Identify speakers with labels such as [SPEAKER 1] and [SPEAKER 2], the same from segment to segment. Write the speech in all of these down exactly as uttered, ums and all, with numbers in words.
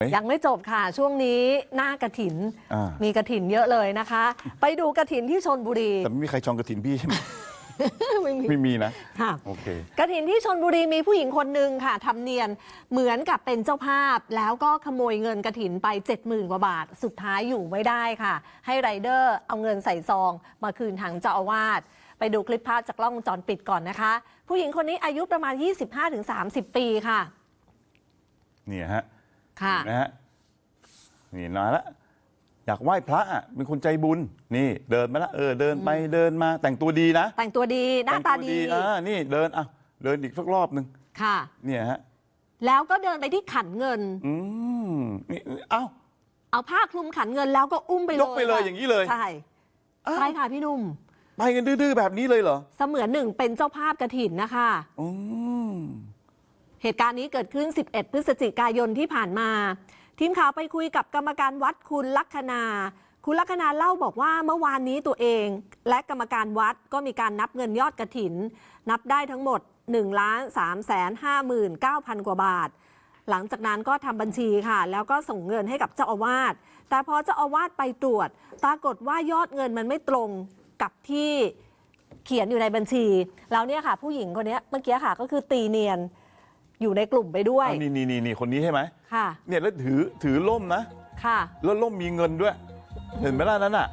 [SPEAKER 1] ยังไม่จบค่ะช่วงนี้หน้ากฐินมีกฐินเยอะเลยนะคะ ไปดูกฐินที่ชลบุรี
[SPEAKER 2] แต่ไม่มีใครจองกฐินพี่ใช่ไหม
[SPEAKER 1] ไม่มี
[SPEAKER 2] ไม่มีนะ
[SPEAKER 1] ค่ะ
[SPEAKER 2] โอเค
[SPEAKER 1] กฐินที่ชลบุรีมีผู้หญิงคนหนึ่งค่ะทำเนียนเหมือนกับเป็นเจ้าภาพแล้วก็ขโมยเงินกฐินไป เจ็ดหมื่น กว่าบาทสุดท้ายอยู่ไม่ได้ค่ะให้ไรเดอร์เอาเงินใส่ซองมาคืนทางเจ้าอาวาสไปดูคลิปภาพจากกล้องวงจรปิดก่อนนะคะผู้หญิงคนนี้อายุประมาณ ยี่สิบห้าถึงสามสิบ ปีค่ะ
[SPEAKER 2] เนี่ยฮะ
[SPEAKER 1] ค่ะ
[SPEAKER 2] นะฮะนี่นานละอยากไหว้พระอ่ะเป็นคนใจบุญนี่เดินมาละเออเดินไปเดินมาแต่งตัวดีนะ
[SPEAKER 1] แต่งตัวดีหน้าตาดี
[SPEAKER 2] อ่านี่เดินอ่ะเดินอีกสักรอบหนึ่ง
[SPEAKER 1] ค่ะ
[SPEAKER 2] เนี่ยฮะ
[SPEAKER 1] แล้วก็เดินไปที่ขันเงิน
[SPEAKER 2] อืมนี่เอ้า
[SPEAKER 1] เอาผ้าคลุมขันเงินแล้วก็อุ้มไปเลย
[SPEAKER 2] ยกไปเลยอย่างนี้เลย
[SPEAKER 1] ใช่ใช่ค่ะพี่นุ่ม
[SPEAKER 2] ไปกันดื้อๆแบบนี้เลยเหรอ
[SPEAKER 1] เสมือนหนึ่งเป็นเจ้าภาพกฐินนะคะ
[SPEAKER 2] อืม
[SPEAKER 1] เหตุการณ์นี้เกิดขึ้นสิบเอ็ดพฤศจิกายนที่ผ่านมาทีมข่าวไปคุยกับกรรมการวัดคุณลัคนาคุณลัคนาเล่าบอกว่าเมื่อวานนี้ตัวเองและกรรมการวัดก็มีการนับเงินยอดกฐินนับได้ทั้งหมด หนึ่งล้านสามแสนห้าหมื่นเก้าพัน กว่าบาทหลังจากนั้นก็ทำบัญชีค่ะแล้วก็ส่งเงินให้กับเจ้าอาวาสแต่พอเจ้าอาวาสไปตรวจปรากฏว่ายอดเงินมันไม่ตรงกับที่เขียนอยู่ในบัญชีแล้วเนี่ยค่ะผู้หญิงคนนี้เมื่อกี้ค่ะก็คือตีเนียนอยู่ในกลุ่มไปด้วย
[SPEAKER 2] นี่นี่นี่คนนี้ใช่ไหม
[SPEAKER 1] ค่ะ
[SPEAKER 2] เนี่ยแล้วถือถือล่มนะ
[SPEAKER 1] ค่ะ
[SPEAKER 2] แล้วล่มมีเงินด้วยเห็นไหมล่ะนั้นอ่ะ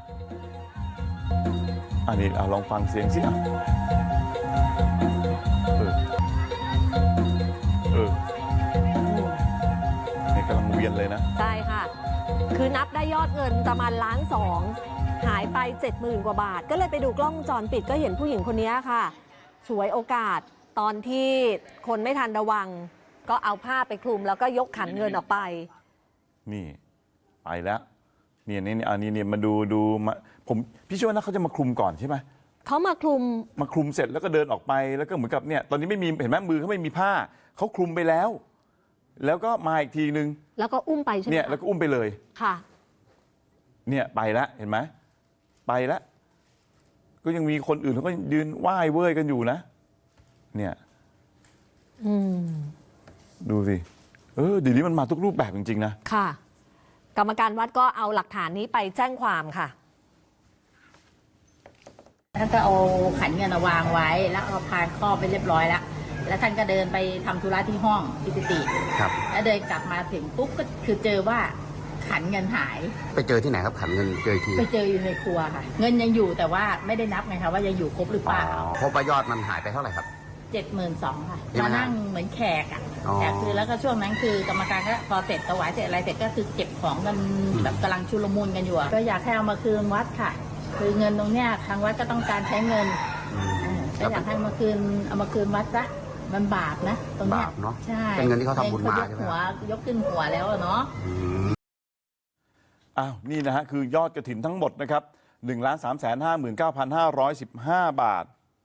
[SPEAKER 2] อันนี้ลองฟังเสียงสิอ่ะเออเออเนี่ยกำลังเวียนเลยนะ
[SPEAKER 1] ใช่ค่ะคือนับได้ยอดเงินประมาณล้านสองหายไปเจ็ดหมื่นกว่าบาทก็เลยไปดูกล้องวงจรปิดก็เห็นผู้หญิงคนนี้ค่ะฉวยโอกาสตอนที่คนไม่ทันระวังก็เอาผ้าไปคลุมแล้วก็ยกขันเงินออกไป
[SPEAKER 2] นี่ไปแล้วเนี่ยนี่อันนี้เนี่ยมาดูดูมาผมพี่เชื่อว่านะเขาจะมาคลุมก่อนใช่ไหม
[SPEAKER 1] เขามาคลุม
[SPEAKER 2] มาคลุมเสร็จแล้วก็เดินออกไปแล้วก็เหมือนกับเนี่ยตอนนี้ไม่มีเห็นไหมมือเขาไม่มีผ้าเขาคลุมไปแล้ว แล้วก็มาอีกทีนึง
[SPEAKER 1] แล้วก็อุ้มไปใช่ไหม
[SPEAKER 2] เนี่ยแล้วก็อุ้มไปเลย
[SPEAKER 1] ค่ะ
[SPEAKER 2] เนี่ยไปแล้วเห็นไหมไปแล้วก็ยังมีคนอื่นเขาก็ยืนไหว้เว้ยกันอยู่นะเนี่ย
[SPEAKER 1] อืม
[SPEAKER 2] ดูสิเออเดี๋ยวนี้มันมาทุกรูปแบบจริงๆนะ
[SPEAKER 1] ค่ะกรรมการวัดก็เอาหลักฐานนี้ไปแจ้งความค่ะ
[SPEAKER 3] ท่านก็เอาขันเงินวางไว้แล้วเอาพานครอบไปเรียบร้อยแล้วแล้วท่านก็เดินไปทำธุระที่ห้องที่กุฏิ
[SPEAKER 4] ครับ
[SPEAKER 3] แล้วเดินกลับมาถึงปุ๊บก็คือเจอว่าขันเงินหาย
[SPEAKER 4] ไปเจอที่ไหนครับขันเงินเจอที่
[SPEAKER 3] ไปเจออยู่ในครัวค่ะเงินยังอยู่แต่ว่าไม่ได้นับไงคะว่ายังอยู่ครบหรือเปล่า
[SPEAKER 4] พบว่ายอดมันหายไปเท่าไหร่ครับ
[SPEAKER 3] เจ็ดหมื่นสองค่ะมานั่งเหมือนแขกอ่ะแขกคือแล้วก็ช่วงนั้นคือกรรมการก็พอเสร็จถวายเสร็จอะไรเสร็จก็คือเก็บของกันแบบกำลังชุลมุนกันอยู่ก็อยากให้เอามาคืนวัดค่ะคือเงินตรงเนี้ยทางวัดก็ต้องการใช้เงินก็อยากให้มาคืนเอามาคืนวัดซะมันบาปนะตรงเนี้ยใช่
[SPEAKER 4] เป็นเงินที่เขาทำบุญมาใช่ไหม
[SPEAKER 3] หัวยกขึ้นหัวแล้วเนาะ
[SPEAKER 2] อ้าวนี่นะฮะคือยอดกฐินทั้งหมดนะครับหนึ่งล้านสามแสนห้าหมื่นเก้าพันห้าร้อยสิบห้าบาท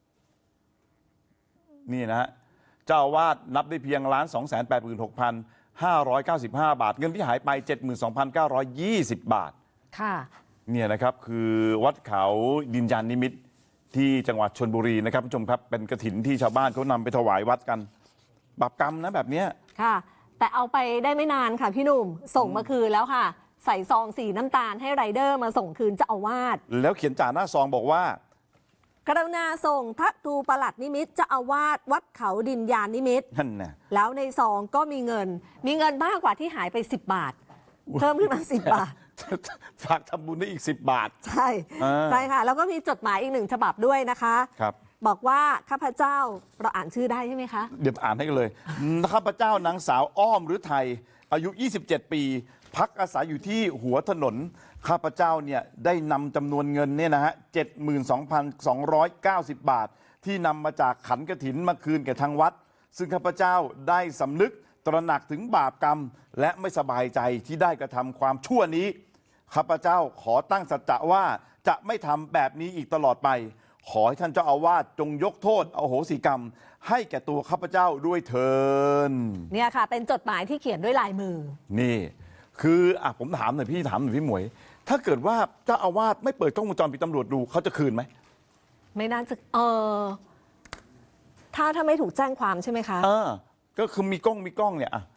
[SPEAKER 2] นี่นะฮะเจ้าอาวาสนับได้เพียงล้านสองแสนแปดหมื่นหกพันห้าร้อยเก้าสิบห้าบาทเงินที่หายไปเจ็ดหมื่นสองพันเก้าร้อยยี่สิบบาท
[SPEAKER 1] ค่ะ
[SPEAKER 2] เนี่ยนะครับคือวัดเขาดินยานนิมิตรที่จังหวัดชลบุรีนะครับผู้ชมครับเป็นกฐินที่ชาวบ้านเขานำไปถวายวัดกันบาปกรรมนะแบบเนี้ย
[SPEAKER 1] ค่ะแต่เอาไปได้ไม่นานค่ะพี่หนุ่มส่งมาคืนแล้วค่ะใส่ซองสีน้ำตาลให้ไรเดอร์มาส่งคืนเจ้าอาวาส
[SPEAKER 2] แล้วเขียนจ่าหน้าซองบอกว่าก
[SPEAKER 1] รุณาส่งพระครูประหลัดนิมิตรเจ้าอาวาสวัดเขาดินยานนิมิตร
[SPEAKER 2] นั่นนะ
[SPEAKER 1] แล้วในซองก็มีเงินมีเงินมากกว่าที่หายไปสิบบาทเพิ่มขึ้นมาสิบบาท
[SPEAKER 2] ฝากทำบุญได้อีกสิบบาท
[SPEAKER 1] ใช่ใช่ค่ะแล้วก็มีจดหมายอีกหนึ่งฉบับด้วยนะคะ
[SPEAKER 2] ครับ
[SPEAKER 1] บอกว่าข้าพเจ้าเราอ่านชื่อได้ใช่ไหมคะ
[SPEAKER 2] เดี๋ยวอ่านให้กันเลยข้าพเจ้านางสาวอ้อมหรือไทยอายุยี่สิบเจ็ดปีพักอาศัยอยู่ที่หัวถนนข้าพเจ้าเนี่ยได้นำจำนวนเงินเนี่ยนะฮะเจ็ดหมื่นสองพันสองร้อยเก้าสิบบาทที่นำมาจากขันกฐินมาคืนแก่ทางวัดซึ่งข้าพเจ้าได้สำนึกตระหนักถึงบาปกรรมและไม่สบายใจที่ได้กระทำความชั่วนี้ข้าพเจ้าขอตั้งสัจจะว่าจะไม่ทำแบบนี้อีกตลอดไปขอให้ท่านเจ้าอาวาสจงยกโทษอโหสิกรรมให้แก่ตัวข้าพเจ้าด้วยเถิด
[SPEAKER 1] เนี่ยค่ะเป็นจดหมายที่เขียนด้วยลายมือ
[SPEAKER 2] นี่คืออ่ะผมถามหน่อยพี่ถามหน่อยพี่หมวยถ้าเกิดว่าเจ้าอาวาสไม่เปิดกล้องวงจรปิดตำรวจดูเขาจะคืนไหม
[SPEAKER 1] ไม่น่าจะเออถ้าถ้าไม่ถูกแจ้งความใช่ไหมคะ
[SPEAKER 2] เออก็คือมีกล้องมีกล้องเนี่ยอ่ะ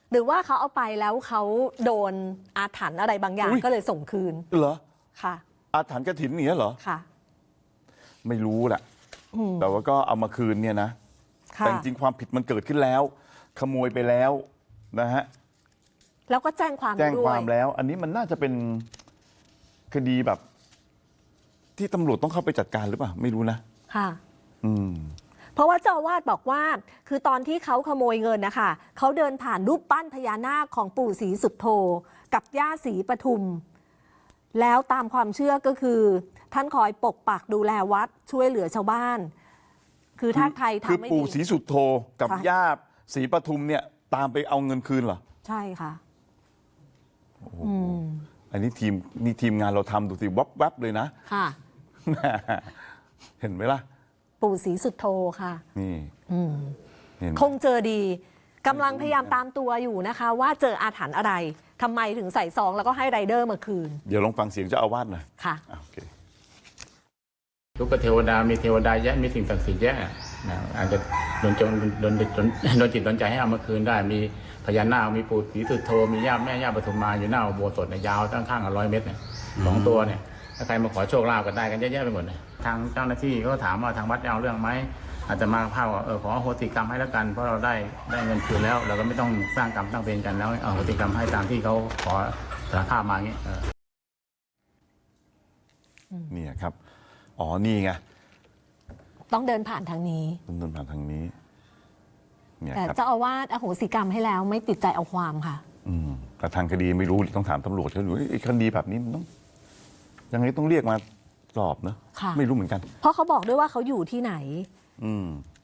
[SPEAKER 1] หรือว่าเขาเอาไปแล้วเขาโดนอาถรรพ์อะไรบางอย่าง
[SPEAKER 2] อุ๊ย
[SPEAKER 1] ก็เลยส่งคืน
[SPEAKER 2] เหรอ
[SPEAKER 1] ค่ะ
[SPEAKER 2] อาถรรพ์กฐินอย่างเงี้ยเหรอ
[SPEAKER 1] ค่ะ
[SPEAKER 2] ไม่รู้แหละ
[SPEAKER 1] อืม
[SPEAKER 2] แต่ว่าก็เอามาคืนเนี่ยนะ
[SPEAKER 1] ค่ะ
[SPEAKER 2] แต่จริงๆความผิดมันเกิดขึ้นแล้ว ขโมยไปแล้วนะฮะ
[SPEAKER 1] แล้วก็แจ้งความ
[SPEAKER 2] แจ้ง
[SPEAKER 1] ด้
[SPEAKER 2] คว วาย มแล้ว อันนี้มันน่าจะเป็นคดีแบบ ที่ตำรวจต้องเข้าไปจัดการหรือเปล่าไม่รู้นะ
[SPEAKER 1] ค่ะ
[SPEAKER 2] อืม
[SPEAKER 1] เพราะว่าเจ้าอาวาสบอกว่า คือตอนที่เขาขโมยเงินนะคะเขาเดินผ่านรูปปั้นพญานาคของปู่ศรีสุโธกับย่าศรีปทุม แล้วตามความเชื่อก็คือ ท่านคอยปกปักดูแลวัดช่วยเหลือชาวบ้าน คือถ้าใคร
[SPEAKER 2] คือ
[SPEAKER 1] ทำไม่
[SPEAKER 2] ปู่
[SPEAKER 1] ดี
[SPEAKER 2] ศรีสุโธกับ
[SPEAKER 1] ค่ะ
[SPEAKER 2] ย่าศรีปทุมเนี่ย ตามไปเอาเงินคืนเหรอ
[SPEAKER 1] ใช่ค่ะ
[SPEAKER 2] โอ้โห
[SPEAKER 1] อืม
[SPEAKER 2] อันนี้ทีมนี่ทีมงานเราทำดูสิวับวับเลยนะ
[SPEAKER 1] ค่ะ
[SPEAKER 2] เห็นไหมล่ะ
[SPEAKER 1] ปู่ศรีสุโธค่ะ
[SPEAKER 2] นี่
[SPEAKER 1] อืม
[SPEAKER 2] เห็นไหม
[SPEAKER 1] คงเจอดีกำลังพยายามตามตัวอยู่นะคะ ว่าเจออาถรรพ์อะไรทำไมถึงใส่ซองแล้วก็ให้ไรเดอร์มาคืน
[SPEAKER 2] เดี๋ยวลองฟังเสียงเจ้าอาวาสหน่อย
[SPEAKER 1] ค่ะ
[SPEAKER 2] อ่ะโอเค
[SPEAKER 5] ทุกเทวดา มีเทวดาแยะ มีสิ่งศักดิ์สิทธิ์แยะนะอาจจะโดนจงโดนโดนโดนจิตโดนใจให้เอามาคืนได้ มีพญานาค มีปู่ศรีสุโธ มีย่าแม่ย่าปทุมมาอยู่หน้าอุโบสถเนี่ยยาวตั้งข้างละร้อยเมตรเนี่ยสองตัวเนี่ย ถ้าใครมาขอโชคลาภกันได้กันเยอะแยะไปหมดเลยทางเจ้าหน้าที่ก็ถามว่าทางวัดจะเอาเรื่องไหม อาจจะมาภาพว่าเออขออโหสิกรรมให้แล้วกัน เพราะเราได้ได้เงินคืนแล้ว เราก็ไม่ต้องสร้างกรรมสร้างเวรกันแล้วเอาอโหสิกรรมให้ตามที่เขาขอสารภาพมาอย่างเงี้ยเออ
[SPEAKER 2] เนี่ยครับ อ๋อ นี่ไง
[SPEAKER 1] ต้องเดินผ่านทางนี้
[SPEAKER 2] ดำเนินผ่านทางนี้ เนี่ย
[SPEAKER 1] แต่
[SPEAKER 2] ครับ
[SPEAKER 1] เจ้าอาวาสอโหสิกรรมให้แล้วไม่ติดใจเอาความค่ะ
[SPEAKER 2] อืมแต่ทางคดีไม่รู้ต้องถามตำรวจเขาดูเอ้ยคดีแบบนี้มันต้องยังไงต้องเรียกมาสอบเนอะ
[SPEAKER 1] ค่ะ
[SPEAKER 2] ไม่รู้เหมือนกัน
[SPEAKER 1] เพราะเขาบอกด้วยว่าเขาอยู่ที่ไหน
[SPEAKER 2] อืม